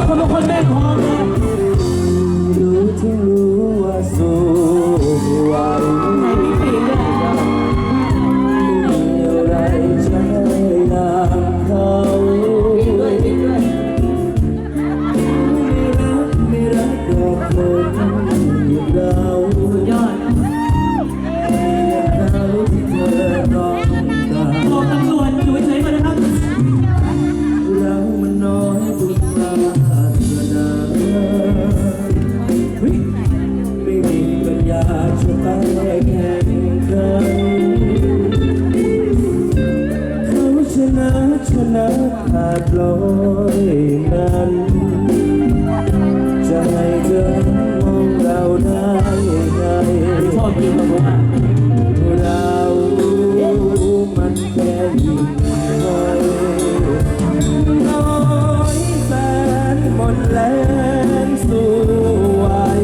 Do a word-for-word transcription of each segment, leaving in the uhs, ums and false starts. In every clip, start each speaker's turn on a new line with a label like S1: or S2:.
S1: คนบางคนแม่งพร้อมเลย
S2: รู้ที่รู้ว่าสู้ไม่ไหว
S1: ไหนมีปีกด้วย
S2: ไม่มีอะไรจะให้นางเขา
S1: ปีกด้วยปีกด้วย
S2: ไม่รักไม่รักดอกคนอย่างเรา
S1: สุดยอด
S2: เขาที่เธอต้องการ
S1: บอกตำรวจอยู่เฉยๆก่อนนะครับ
S2: เรามันน้อยบุญตาเธอนาไม่มีปัญญาจะไปแข่งขันเขาชนะชนะขาดลอยนั้นจะให้เธอมองเราได้ไง
S1: ชอบกินกับผมอ่ะ
S2: เรามันแค่ยิ่งน้อยน้อยแสนหมดแรงสู้ไหว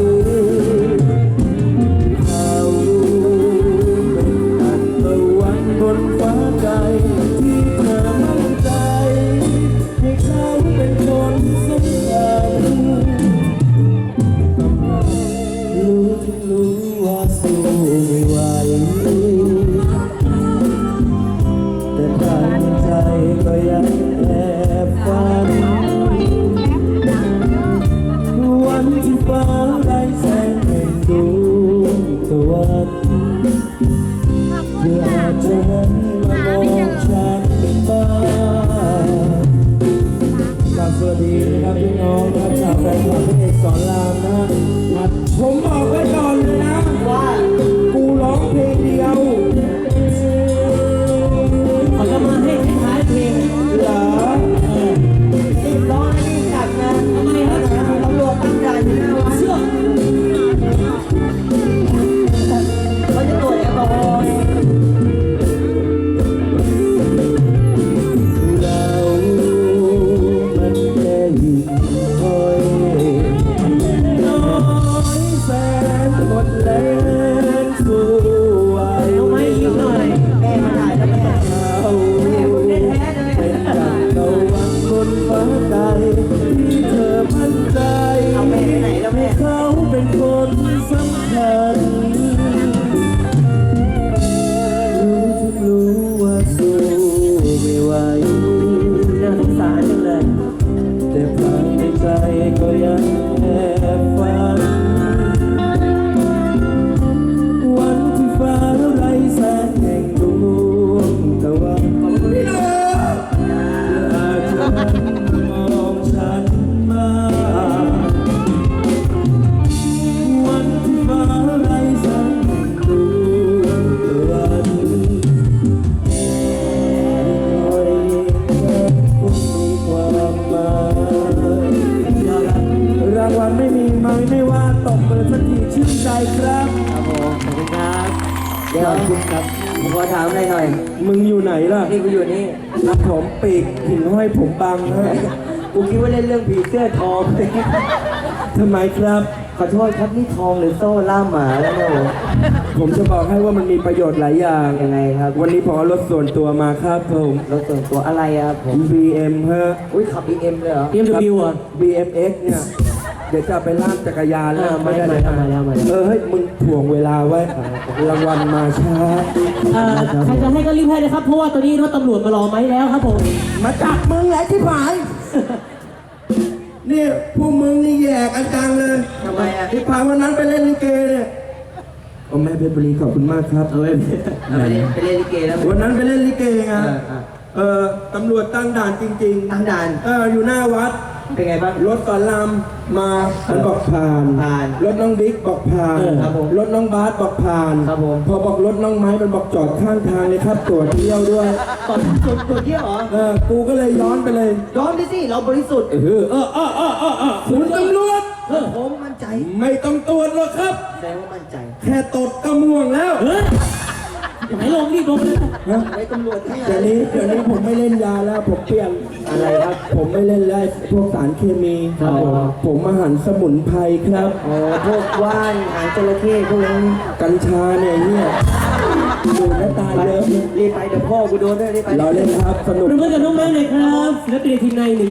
S2: เขาเป็นอันตะวันบนฟ้าไกลที่เธอมั่นใจให้เขาเป็นคนสำคัญรู้ที่รู้ว่าสู้ไม่ไหวแต่ภายในใจก็ยังแอบฝันวันที่ฟ้าได้แสงแห่งดวงตะวันเพื่ออาจจะหันมามองฉันบ้างกราบสวัสดีนะครับพี่น้องนะครับชาวแฟนคลับพี่เอกสอนรามนะครับผมบอกไว้ก่อนเลยนะว่ากูร้องเพลงเดียว
S1: เขาจะมาให้ท้ายเพลง
S2: เหรอ
S1: รีบร้องรีบจัดนะทำไมครับตำรวจตั้งด่านอยู่หน้าวัดเชื่อเขาจะตรวจแอลกอฮอล์
S2: เรามันแค่หิ่งห้อยน้อยแสนหมดแรงสู้ไหว
S1: เอาไม้ยิ้มหน่อยแม่มาถ่ายแล้วแม่
S2: เขาเป็นดังตะวันบนฟ้าไกลที่เธอมั่นใจ
S1: เอาแม่ไปไหนแล้วแม่
S2: เขาเป็นคนสำคัญรู้ทุกรู้ว่าสู้ไม่ไหว
S1: น่าสงสารจังเลย
S2: แต่ภายในใจก็ยังแอบฝันวันที่ฟ้าไร้แสงแห่งดวงตะวันอาจจะมองฉันมาวันที่ฟ้าไร้แสงแห่งดวงตะวันคอยแค่คงมีความหมายรางวัลไม่มีไหมไม่ว่าตกเลยสักทีชื่นใจครับ
S1: ครับผมขอบคุณครับเดี๋ยว
S2: ขอบคุณครับ
S1: ผมขอถามอะไรหน่อย
S2: มึงอยู่ไหนล่ะ
S1: นี่กูอยู่นี่
S2: ครับผมปีกหินห้อยผมบังฮะ
S1: กูคิดว่าเล่นเรื่องผีเสื้อทอง
S2: ทำไมครับ
S1: ขอโทษครับนี่ทองหรือโซ่ล่ามหมาแล้วเนี่ย
S2: ผมจะบอกให้ว่ามันมีประโยชน์หลายอย่าง
S1: ยังไงครับ
S2: วันนี้ผมเอารถส่วนตัวมาครับผม
S1: รถส่วนตัวอะไรครับผม
S2: บี เอ็ม ฮะ
S1: อุ้ยขับ บี เอ็ม เลยเหรอ
S2: บี เอ็ม ดับเบิลยู อ่ะ บี เอ็ม เอ็กซ์ เนี่ยเดี๋ยวจะไปลากจักรยานแล้ว
S1: ไม่ได้เลยมาแล้วมาแล้ว
S2: เออให้มึงถ่วงเวลาไว้รางวัลมาช้า
S1: ใครจะให้ก็รีบให้เลยครับเพราะว่าตอนนี้รถตำรวจมารอไหมแล้วครับผม
S2: มาจับมึงแหละที่ผายเนี่ยพวกมึงนี่แยกกันจังเลย
S1: ทำไมอ่ะ
S2: ที่ผ่านวันนั้นไปเล่นลิเกเนี่ยโอ้แม่เพชรบุรีขอบคุณมากครับ
S1: เอาไปไปเล่นไปเล่นลิเกแล้ว
S2: วันนั้นไปเล่นลิเกไงเออตำรวจตั้งด่านจริงๆ
S1: ตั้งด่าน
S2: เอออยู่หน้าวัด
S1: เป็นไงบ้าง
S2: รถสอนรามมามันบอกผ่าน
S1: ผ่าน
S2: รถน้องบิ๊กบอกผ่าน
S1: ครับผม
S2: รถน้องบาสบอกผ่าน
S1: ครับผม
S2: พอบอกรถน้องไม้มันบอกจอดข้างทางเลยครับตรวจเที่ยวด้วย
S1: ตรวจตรวจตรวจเที่ยวเหรอ
S2: เออกูก็เลยย้อนไปเลย
S1: ย้อนไปสิเราบริสุทธิ์
S2: เออเออเออเออเออคุณตำรวจ
S1: เออผมมั่นใจ
S2: ไม่ต้องตรวจหรอกครับ
S1: แสดงว่ามั่นใจ
S2: แค่ตดก็ม่วงแล้ว
S1: เฮ้ยไหนลงรีบลงเลย
S2: ไอ้ตำรวจที่เดี๋ยวนี้เดี๋ยวนี้ผมไม่เล่นยาแล้วผมเปลี่ยน
S1: อะไรครับ
S2: ผมไม่เล่นแล้วพวกสารเคมี
S1: ครับ
S2: ผมมาหันสมุนไพรครับ
S1: อ๋อพวกว่านหางจระเข้พวกนี้
S2: กัญชาเนี่ยเนี่ยดูแลตายเยอะ
S1: รีบไปเดี๋ยวพ่อกูโดนด้วยรีบไป
S2: เราเล่นครับสนุก
S1: เพื่อนกับน้องแม่เลยครับศิลปินทีมในหนึ่ง